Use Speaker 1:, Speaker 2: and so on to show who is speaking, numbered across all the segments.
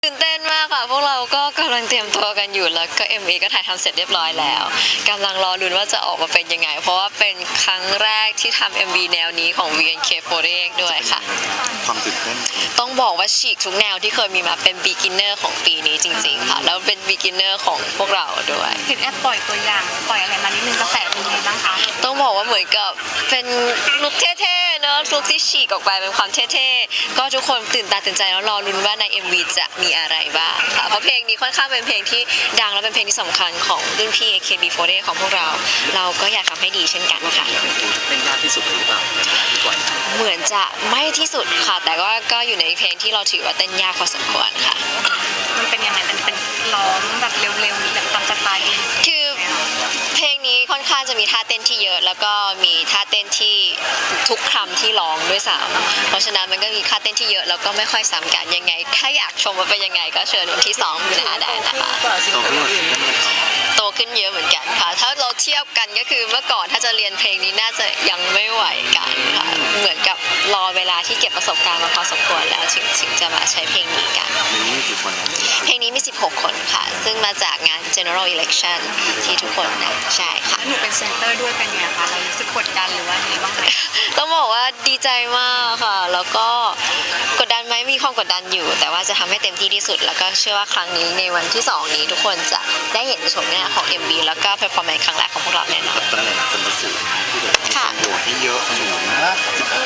Speaker 1: ตื่นเต้นมากค่ะพวกเราก็กำลังเตรียมตัวกันอยู่แล้วก็ MV ก็ถ่ายทำเสร็จเรียบร้อยแล้วกำลังรอลุ้นว่าจะออกมาเป็นยังไงเพราะว่าเป็นครั้งแรกที่ทำ MV แนวนี้ของ VNK48 ด้วยค่ะ
Speaker 2: ความตื่นเต้น
Speaker 1: ต้องบอกว่าฉีกทุกแนวที่เคยมีมาเป็น beginner ของปีนี้จริงๆค่ะแล้วเป็น beginner ของพวกเราด้วย
Speaker 3: เห็นแอปปล่อยตัวอย่างปล่อยอะไรมานิดนึงกระแสเป็นยังไงบ้างคะ
Speaker 1: ต้องบอกว่าเหมือนกับเป็นลุคเท่ๆเนอะลุคที่ฉีกออกไปเป็นความเท่ๆก็ทุกคนตื่นตาตื่นใจแล้วรอลุ้นว่าใน MV จะมีอะไรบ้างค่ะเพราะเพลงนี้ค่อนข้างเป็นเพลงที่ดังและเป็นเพลงที่สำคัญของรุ่นพี่ AKB48 ของพวกเราก็อยากทำให้ดีเช่นกันค่ะ
Speaker 2: เป็นยากที่สุดหรือเปล่าที่ปล่อย
Speaker 1: เหมือนจะไม่ที่สุดค่ะแต่ก็อยู่ในเพลงที่เราถือว่าเต้นยากพอสมควรค่ะ
Speaker 3: มันเป็นยังไงมันเป็นร้องแบบเร็วๆแบบตามสไตล์
Speaker 1: คือเพลงนี้ค่อนข้างจะมีท่าเต้นที่เยอะแล้วก็มีท่าเต้นที่ทุกคำที่ร้องด้วยซ้ำเพราะฉะนั้นมันก็มีท่าเต้นที่เยอะแล้วก็ไม่ค่อยซ้ำกันยังไงถ้าอยากชมว่าเป็นยังไงก็เชิญวันที่2 มีนาได้นะคะโตขึ้นเยอะเหมือนกันค่ะถ้าเราเทียบกันก็คือเมื่อก่อนถ้าจะเรียนเพลงนี้น่าจะยังไม่ไหวกันค่ะเหมือนกับรอเวลาที่เก็บประสบการณ์มาพอสมควรแล้วถึงจะมาใช้เพลงนี้กันเพลงนี้มี16 คนค่ะซึ่งมาจากงาน General Election ที่ทุกคนนะใช่ค่ะ
Speaker 3: หนูเป็นเซนเตอร์ด้วยเป็นไงคะเรารู้สึกกดดันหรือว่าไงบ้างไหม
Speaker 1: ต้องบอกว่าดีใจมากค่ะแล้วก็กดดันไหมมีความกดดันอยู่แต่ว่าจะทำให้เต็มที่ที่สุดแล้วก็เชื่อว่าครั้งนี้ในวันที่2นี้ทุกคนจะได้เห็นชมหน้าของ MV แล้วก็ performance ครั้งแรกของพวกเราแน่นอน
Speaker 2: ตำแหน่งคนละสูงค่ะโหวตให้เยอะสูงมาก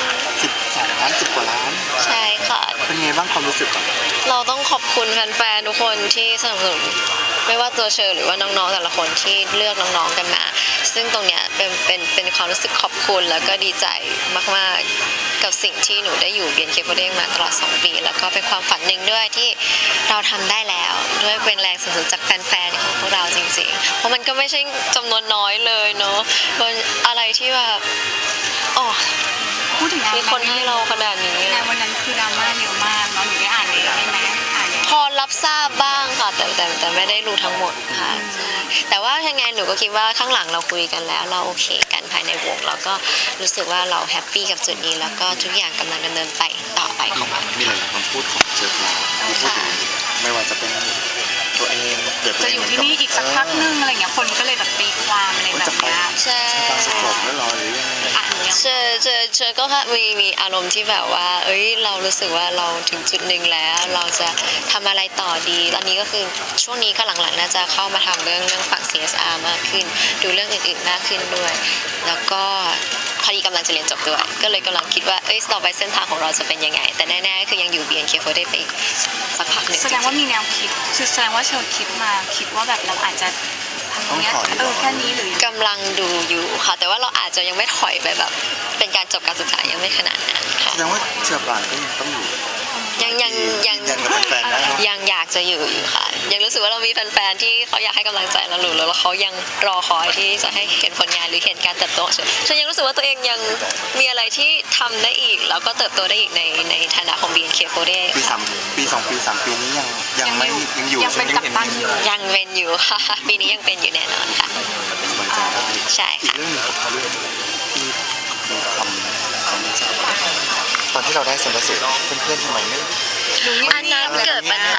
Speaker 2: 12 ล้าน10 กว่าล้าน
Speaker 1: ใช่ค่ะ
Speaker 2: เป็นไงบ้างความรู้สึก
Speaker 1: เราต้องขอบคุณแฟนๆทุกคนที่สนับสนุนไม่ว่าตัวเชอร์หรือว่าน้องๆแต่ละคนที่เลือกน้องๆกันมาซึ่งตรงเนี้ยเป็นความรู้สึกขอบคุณแล้วก็ดีใจมากๆกับสิ่งที่หนูได้อยู่BNK48มาตลอด2 ปีแล้วก็เป็นความฝันหนึ่งด้วยที่เราทำได้แล้วด้วยเป็นแรงสนับสนุนจากแฟนๆของพวกเราจริงๆเพราะมันก็ไม่ใช่จำนวนน้อยเลยเนาะเป็นอะไรที่แบบ
Speaker 3: พูดถึง
Speaker 1: มีคนให้เราขนาดนี้
Speaker 3: งานวันนั้นคือดราม่าเยอะมากเนาะหนูได้อ่านเลยใช่ไหม
Speaker 1: พอรับทราบบ้างค่ะแต่ไม่ได้รู้ทั้งหมดค่ะแต่ว่ายังไงหนูก็คิดว่าข้างหลังเราคุยกันแล้วเราโอเคกันภายในวงแล้วก็รู้สึกว่าเราแฮปปี้กับจุดนี้แล้วก็ทุกอย่างกำลังดำเนินไปต่อไปของมัน
Speaker 2: มีหลายคำพูดของเชอร์ที่พูดถึงไม่ว่าจะเป็นตัวเอง
Speaker 3: จะอยู่ที่นี่อีกสักพักนึงอะไรเงี้ยคนก็เลยแบบตีความอะไรแบบนี้
Speaker 1: ใช่
Speaker 2: จบแล้วรอหรือยัง
Speaker 1: เชอก็มีอารมณ์ที่แบบว่าเรารู้สึกว่าเราถึงจุดหนึ่งแล้วเราจะทำอะไรต่อดีตอนนี้ก็คือช่วงนี้ก็หลังๆน่าจะเข้ามาทำเรื่องฝั่ง CSR มากขึ้นดูเรื่องอื่นๆมากขึ้นด้วยแล้วก็พอดีกำลังจะเรียนจบด้วยก็เลยกำลังคิดว่าต่อไปเส้นทางของเราจะเป็นยังไงแต่แน่ๆคือยังอยู่ BNK48 ไปอีกสักพักหนึ่ง
Speaker 3: แสดงว่ามีแนวคิดคือแสดงว่าเชอคิดว่าแบบเราอาจจะ
Speaker 2: ต้องถอย
Speaker 3: แค่นี้หรือก
Speaker 1: ำลังดูอยู่ค่ะแต่ว่าเราอาจจะยังไม่ถอยไปแบบเป็นการจบการศึกษายังไม่ขนาดนั้นค่ะ
Speaker 2: แสดงว่าเชอร์ปรางก็ยังต้องอยู่
Speaker 1: ยังอยากจะอยู่ค่ะยังรู้สึกว่าเรามีแฟนๆที่เขาอยากให้กำลังใจเราอยู่แล้วเขายังรอคอยที่จะให้เห็นผลงานหรือเห็นการเติบโตฉันยังรู้สึกว่าตัวเองยังมีอะไรที่ทำได้อีกแล้วก็เติบโตได้อีกในฐานะของ BNK48
Speaker 2: ปี 2 ปี 3 ปีนี้ยังอยู่
Speaker 3: ยังเป็นกัปตันอยู่
Speaker 1: ยังเป็นอยู่ค่ะปีนี้ยังเป็นอยู่แน่นอนค่ะใช่ค่ะ
Speaker 2: เรื่องที่ตอนที่เราได้สมรสุเพื่อนๆทำไมไม่
Speaker 1: อันนั้นเกิดปัญหา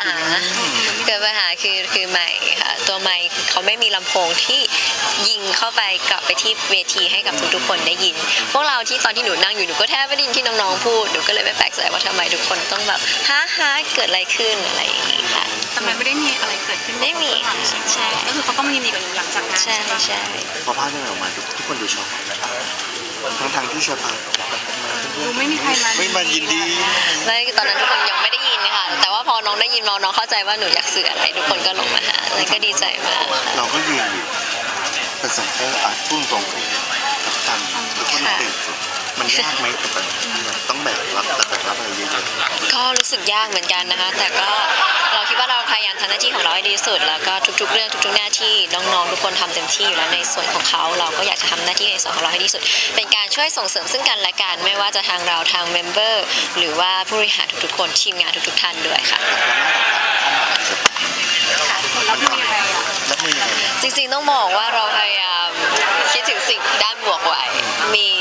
Speaker 1: คือไมค์ค่ะตัวไมค์เขาไม่มีลำโพงที่ยิงเข้าไปกลับไปที่เวทีให้กับทุกๆคนได้ยินพวกเราที่ตอนที่หนูนั่งอยู่หนูก็แทบไม่ได้ยินที่น้องๆพูดหนูก็เลยไม่แปลกใจว่าทำไมทุกคนต้องแบบฮะเกิดอะไรขึ้นอะไรอย่างนี้ค่ะ
Speaker 3: แต่มันไม่ได้มีอะไรเกิดขึ้น
Speaker 1: ไม่มีใช่
Speaker 3: ก็คือเขาต้องยินดีกับหนูหลังจากนั้น
Speaker 1: ใช่
Speaker 2: พอภาพที่ออกมาทุกคนดูช็อกทั้งที่เชอร์ปาง
Speaker 3: ดูไม่มีใคร
Speaker 2: มายินดี
Speaker 1: ไม่ตอนนั้นทุกคนยังไม่ได้ยินค่ะแต่ว่าพอน้องได้ยินน้องเข้าใจว่าหนูอยากสื่ออะไรทุกคนก็ลงมาหาแล้วก็ดีใจมาก
Speaker 2: เราก็ยืนอยู่เป็นสังเกตพุ่งตรงกับกันทุกคนตื่นมันยากไหมต้องแบกรับอะไรเยอะ
Speaker 1: ๆก็รู้สึกยากเหมือนกันนะคะแต่ก็เราคิดว่าเราพยายามทำหน้าที่ของเราให้ดีที่สุดแล้วก็ทุกๆเรื่องทุกๆหน้าที่น้องๆทุกคนทำเต็มที่อยู่แล้วในส่วนของเขาเราก็อยากจะทำหน้าที่ในส่วนของเราให้ดีที่สุดเป็นการช่วยส่งเสริมซึ่งกันและกันไม่ว่าจะทางเราทางเมมเบอร์หรือว่าผู้บริหารทุกๆคนทีมงานทุกๆท่านด้วยค่ะจริงๆต้องบอกว่าเราพยายามคิดถึงสิ่งด้านบวกไว้มีด้าน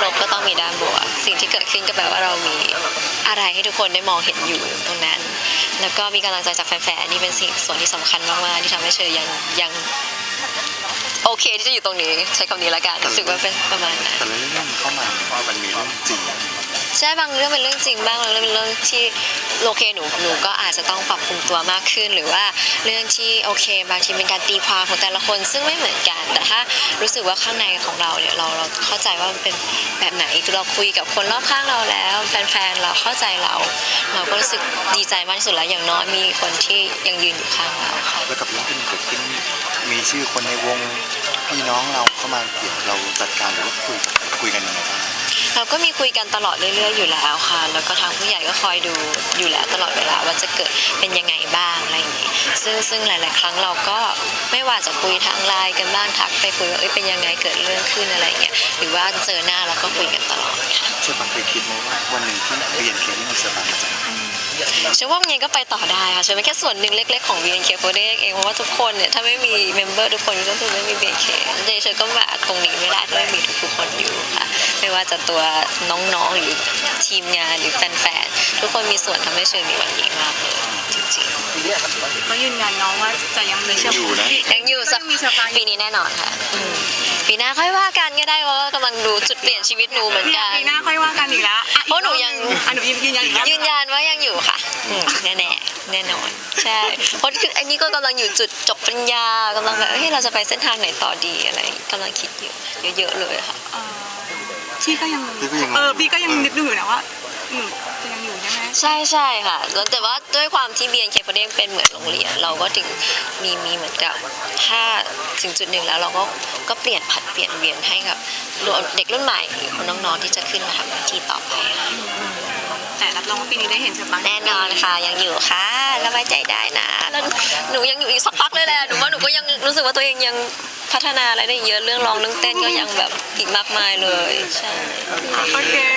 Speaker 1: ลบก็ต้องมีด้านบวกสิ่งที่เกิดขึ้นก็แปลว่าเรามีอะไรให้ทุกคนได้มองเห็นอยู่ตรงนั้น แล้วก็มีกำลังใจจากแฟนๆนี่เป็นสิ่งส่วนที่สำคัญมากๆที่ทำให้เชยยังโอเคที่จะอยู่ตรงนี้ใช้คำนี้ละกันรู้สึกว่าเป็นประมาณนั้น
Speaker 2: แต่ละเรื่องเข้ามาว่ามันมีเรื่องจริง
Speaker 1: ใช่บางเรื่องเป็นเรื่องจริงบ้างบางเรื่องเป็นเรื่องที่โอเคหนูก็อาจจะต้องปรับปรุงตัวมากขึ้นหรือว่าเรื่องที่โอเคบางทีเป็นการตีความของแต่ละคนซึ่งไม่เหมือนกัน แต่ถ้ารู้สึกว่าข้างในของเราเนี่ยเราเข้าใจว่ามันเป็นแบบไหนเราคุยกับคนรอบข้างเราแล้วแฟนๆเราเข้าใจเราก็รู้สึกดีใจมากที่สุดแล้วอย่างน้อยมีคนที่ยังยืนอยู่ข้างเราค่ะ
Speaker 2: แล้วกับเรื่องที่มันเกิดขึ้นมีชื่อคนในวงพี่น้องเราเข้ามาเกี่ยวเราจัดการหรือว่าคุยกันยังไงบ้าง
Speaker 1: เราก็มีคุยกันตลอดเรื่อยๆอยู่แล้วค่ะแล้วก็ทางผู้ใหญ่ก็คอยดูอยู่แล้วตลอดเวลาว่าจะเกิดเป็นยังไงบ้างอะไรอย่างนี้ซึ่งหลายๆครั้งเราก็ไม่ว่าจะคุยทางไลน์กันบ้างทักไปคุยว่าเป็นยังไงเกิดเรื่องขึ้นอะไรอย่างเงี้ยหรือว่าเจอหน้าเราก็คุยกันตลอดค่ะ
Speaker 2: เชื่อปังเคยคิดไหมว่าวันหนึ่งที่เรียนเคนี่มันจะมาจาก
Speaker 1: เชื่อว่ามันยังก็ไปต่อได้ค่ะเชื่อเป็นแค่ส่วนหนึ่งเล็กๆของ BNK48 เองเพราะว่าทุกคนเนี่ยถ้าไม่มีเมมเบอร์ทุกคนก็คือไม่มี BNK เชื่อก็มาตรงนี้ไม่ได้ถ้าไม่มีทุกๆคนอยู่ค่ะไม่ว่าจะตัวน้องๆหรือทีมงานหรือแฟนๆทุกคนมีส่วนทำให้เชื่อมีวันนี้มากเลยจริงๆ
Speaker 3: ก็ยืนยันน้องว่าจะยังมีเชื่อ
Speaker 2: อยู่นะ
Speaker 1: ยังอยู่สัก
Speaker 3: ยังมีเชอปราง
Speaker 1: ปีนี้แน่นอนค่ะปีหน้าค่อยว่ากันก็ได้เพราะว่ากำลังดูจุดเปลี่ยนชีวิตหนูเหมือน
Speaker 3: เนี่ย
Speaker 1: กัน
Speaker 3: ปีหน้าค่อยว่ากันอีกแล้วอ่ะ
Speaker 1: เพราะหนูยัง
Speaker 3: อ่ะหนูยืนยันอีกแล้ว
Speaker 1: ยืนยันว่ายังอยู่ค่ะแน่ๆแน่นอนใช่เพราะคืออันนี้ก็กำลังอยู่จุดจบปริญญากำลังแบบเฮ้ยเราจะไปเส้นทางไหนต่อดีอะไรกำลังคิดอยู่เยอะๆเลยค่ะ
Speaker 3: พี่ก็ยัง
Speaker 2: พี่ก็ยัง
Speaker 3: พี่ก็ยังนึกดูอยู่นะว่าหนูจะยังอยู่ใช่ไหม
Speaker 1: ใช่ค่ะแล้วแต่ว่าด้วยความที่ BNK48 เป็นเหมือนโรงเรียนเราก็ถึงมีเหมือนกับถ้าถึงจุดหนึ่งแล้วเราก็เปลี่ยนผัดเปลี่ยนเวียนให้กับเด็กรุ่นใหม่หรือคนน้องๆที่จะขึ้นมาทำหน้าที่ต่อไปค่ะ
Speaker 3: แต่รับรองว่าปีนี้ได้เห็นเชอปราง
Speaker 1: แน่นอนค่ะยังอยู่ค่ะระบายใจได้นะแล้วหนูยังอยู่อีกสักพักเลยแหละหนูว่าหนูก็ยังรู้สึกว่าตัวเองยังพัฒนาอะไรได้เยอะเรื่องร้องเรื่องเต้นก็ยังแบบอีกมากมายเลยใช่
Speaker 3: โอเค